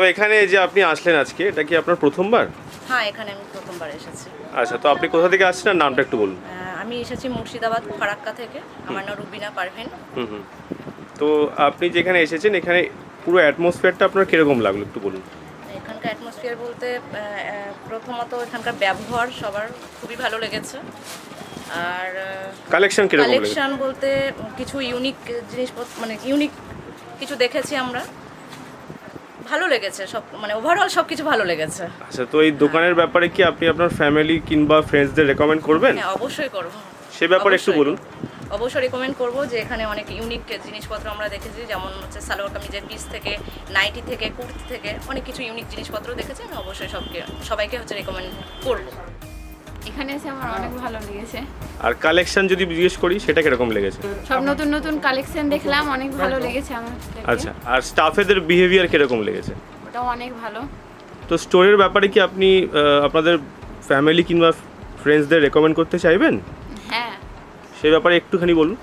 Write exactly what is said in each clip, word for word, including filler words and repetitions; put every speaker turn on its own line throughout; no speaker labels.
এখানে যে আপনি আসলেন আজকে, এটা কি আপনার প্রথমবার?
হ্যাঁ, এখানে আমি প্রথমবার এসেছি।
আচ্ছা, তো আপনি কোথা থেকে আসছেন আর নামটা একটু বলুন।
আহ, আমি এসেছি মুর্শিদাবাদ ফারাক্কা থেকে। আমার নাম রুবিনা পারভিন।
হুম হুম তো আপনি যেখানে এসেছেন, এখানে পুরো অ্যাটমসফিয়ারটা আপনার কিরকম লাগলো একটু বলুন।
এখানকার অ্যাটমসফিয়ার বলতে আহ, আহ, প্রথমত এখানকার ব্যবহার সবার খুবই ভালো লেগেছে। আর
কালেকশন কিরকম লেগেছে?
কালেকশন বলতে কিছু ইউনিক জিনিসপত্র, মানে ইউনিক কিছু দেখেছি আমরা, ভালো লেগেছে সব, মানে ওভারঅল সব কিছু ভালো লেগেছে।
আচ্ছা, তো এই দোকানের ব্যাপারে কি আপনি আপনার ফ্যামিলি কিংবা ফ্রেন্ডসদের রেকমেন্ড করবেন?
হ্যাঁ, অবশ্যই করবো।
সে ব্যাপারে একটু
অবশ্যই।
বলুন।
অবশ্যই রেকমেন্ড করবো যে এখানে অনেক ইউনিক জিনিসপত্র আমরা দেখেছি, যেমন হচ্ছে সালোয়ার কামিজের পিস থেকে, নাইটি থেকে, কুর্তি থেকে অনেক কিছু ইউনিক জিনিসপত্র দেখেছি। আমি অবশ্যই সবকে সবাইকে হচ্ছে রেকমেন্ড করবো।
এখানে এসে আমার অনেক ভালো লেগেছে।
আর কালেকশন যদি জিজ্ঞেস করি, সেটা কিরকম লেগেছে?
সব নতুন নতুন কালেকশন দেখলাম, অনেক ভালো লেগেছে আমার।
আচ্ছা, আর স্টাফেদের বিহেভিয়ার কিরকম লেগেছে?
ওটাও অনেক ভালো।
তো স্টোরের ব্যাপারে কি আপনি আহ, আপনাদের ফ্যামিলি কিংবা ফ্রেন্ডসদের রেকমেন্ড করতে চাইবেন?
হ্যাঁ,
সেই ব্যাপারে একটুখানি বলুন।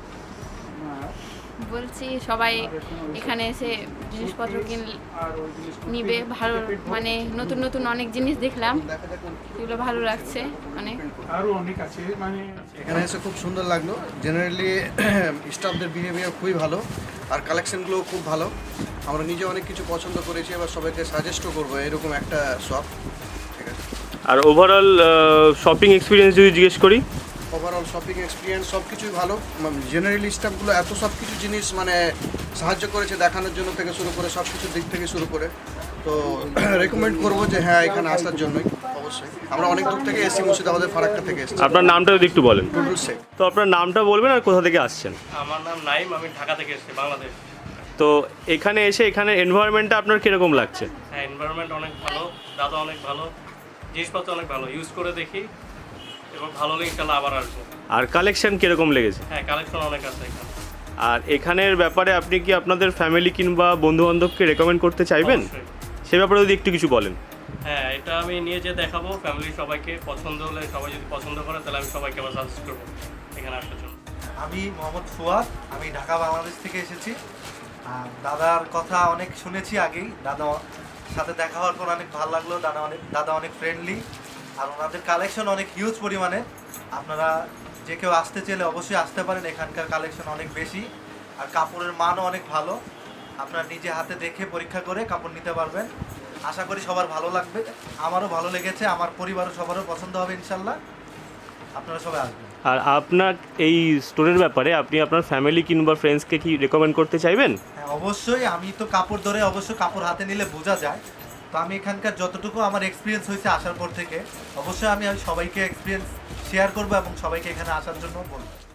বলছি সবাই এখানে এসে জিনিসপত্র কিন নিবে। ভালো, মানে নতুন নতুন অনেক জিনিস দেখলাম, এগুলো ভালো লাগছে অনেক।
আরো অনেক আছে, মানে
এখানে এসে খুব সুন্দর লাগলো। জেনারেলি স্টাফদের বিহেভিয়ার খুবই ভালো, আর কালেকশনগুলো খুব ভালো। আমরা নিজে অনেক কিছু পছন্দ করেছি, এবার সবাইকে সাজেস্টও করবো এরকম একটা শপ। ঠিক আছে,
আর ওভারঅল শপিং এক্সপিরিয়েন্স যদি জিজ্ঞেস করি?
ওভারঅল শপিং এক্সপিরিয়েন্স সব কিছুই ভালো। জেনারেলি স্টাফগুলো এত সব কিছু জিনিস মানে সাহায্য করেছে দেখানোর জন্য থেকে শুরু করে সব কিছুর দিক থেকে শুরু করে। তো রেকমেন্ড করবো যে হ্যাঁ, এখানে আসার জন্যই অবশ্যই। আমরা অনেক দূর থেকে এসেছি, মুর্শিদাবাদের ফারাক্কা থেকে এসেছি।
আপনার নামটা যদি একটু বলেন।
টুটুল শেখ।
তো আপনার নামটা বলবেন আর কোথা থেকে আসছেন?
আমার নাম নাইম, আমি ঢাকা থেকে এসেছি, বাংলাদেশ।
তো এখানে এসে এখানে এনভায়রনমেন্টটা আপনার কিরকম লাগছে?
হ্যাঁ, এনভায়রনমেন্ট অনেক ভালো, দাদা অনেক ভালো, জিনিসপত্র অনেক ভালো, ইউজ করে দেখি এবং ভালো লেগে গেলে আবার আসবো।
আর কালেকশন কিরকম লেগেছে?
হ্যাঁ, কালেকশন অনেক আছে এখানে।
আর এখানের ব্যাপারে আপনি কি আপনাদের ফ্যামিলি কিংবা বন্ধু বান্ধবকে রেকমেন্ড করতে চাইবেন?
অবশ্যই।
সে ব্যাপারে যদি একটু কিছু বলেন।
হ্যাঁ, এটা আমি নিয়ে যেয়ে দেখাবো ফ্যামিলির সবাইকে, পছন্দ হলে সবাই যদি পছন্দ করে তাহলে আমি সবাইকে আবার সাজেস্ট করবো এখানে আসার জন্য।
আমি মোহাম্মদ ফুয়াদ, আমি ঢাকা বাংলাদেশ থেকে এসেছি। আর দাদার কথা অনেক শুনেছি আগেই, দাদা সাথে দেখা হওয়ার পর অনেক ভালো লাগলো। দাদা অনেক দাদা অনেক ফ্রেন্ডলি, আর ওনাদের কালেকশন অনেক হিউজ পরিমাণে। আপনারা যে কেউ আসতে চাইলে অবশ্যই আসতে পারেন, এখানকার কালেকশন অনেক বেশি, আর কাপড়ের মানও অনেক ভালো। আপনারা নিজে হাতে দেখে পরীক্ষা করে কাপড় নিতে পারবেন। আশা করি সবার ভালো লাগবে, আমারও ভালো লেগেছে, আমার পরিবারও সবারও পছন্দ হবে ইনশাল্লাহ। আপনারা সবাই আসবেন।
আর আপনার এই স্টোরের ব্যাপারে আপনি আপনার ফ্যামিলি কিংবা ফ্রেন্ডসকে কি রেকমেন্ড করতে চাইবেন?
হ্যাঁ, অবশ্যই। আমি তো কাপড় ধরে অবশ্য কাপড় হাতে নিলে বোঝা যায়। তো আমি এখানকার যতটুকু আমার এক্সপিরিয়েন্স হয়েছে আসার পর থেকে, অবশ্যই আমি সবাইকে এক্সপিরিয়েন্স শেয়ার করবো এবং সবাইকে এখানে আসার জন্য বলবো।